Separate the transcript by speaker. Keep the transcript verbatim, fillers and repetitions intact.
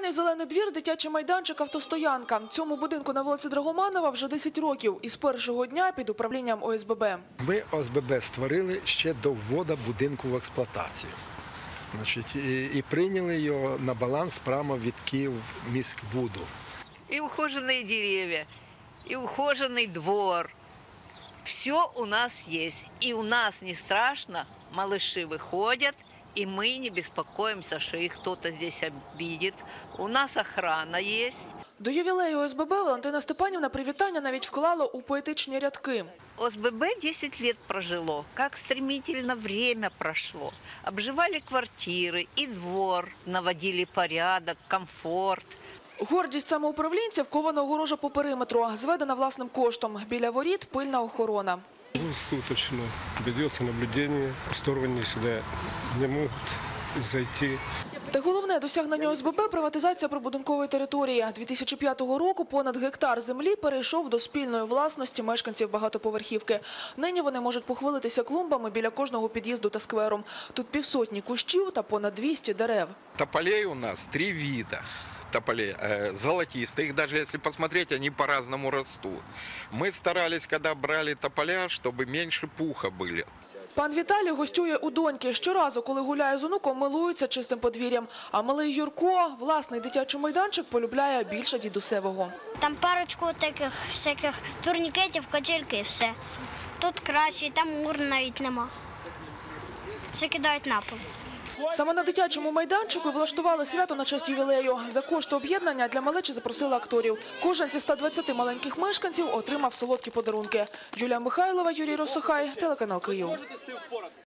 Speaker 1: Сімейний зелений двір, дитячий майданчик, автостоянка. Цьому будинку на вулиці Драгоманова вже десять років. І з першого дня під управлінням О С Б Б.
Speaker 2: Ми О С Б Б створили ще до вводу будинку в експлуатацію. Значить, і, і прийняли його на баланс прямо від Київміськбуду.
Speaker 3: И ухоженные деревья, и ухоженный двор. Все у нас есть. И у нас не страшно, малыши выходят, и мы не беспокоимся, что их кто-то здесь обидит. У нас охрана есть.
Speaker 1: До ювілею О С Б Б Валентина Степанівна привітання навіть вклала у поетичні рядки.
Speaker 3: О С Б Б десять лет прожило. Как стремительно время прошло. Обживали квартиры и двор, наводили порядок, комфорт.
Speaker 1: Гордість самоуправлінців – кована огорожа по периметру, зведена власним коштом. Біля воріт – пильна охорона.
Speaker 4: Суточно ведется наблюдение, посторонние сюда не могут зайти.
Speaker 1: Та головне досягнення О С Б Б – приватизація прибудинкової території. дві тисячі п'ятого року понад гектар землі перейшов до спільної власності мешканців багатоповерхівки. Нині вони можуть похвалитися клумбами біля кожного під'їзду та скверу. Тут півсотні кущів та понад двісті дерев.
Speaker 5: Тополей у нас три вида. Тополей золотистые, их даже если посмотреть, они по-разному растут. Мы старались, когда брали тополя, чтобы меньше пуха были.
Speaker 1: Пан Віталій гостює у доньки. Щоразу, коли гуляє з онуком, милується чистим подвір'ям. А малий Юрко власний дитячий майданчик полюбляє більше дідусевого.
Speaker 6: Там парочку таких всяких турнікетів, качельки і все. Тут краще, там мур навіть нема. Все кидають на пол.
Speaker 1: Саме на дитячому майданчику влаштували свято на честь ювілею. За кошти об'єднання для малечі запросили акторів. Кожен зі ста двадцяти маленьких мешканців отримав солодкі подарунки. Юлія Михайлова, Юрій Росохай, телеканал Київ.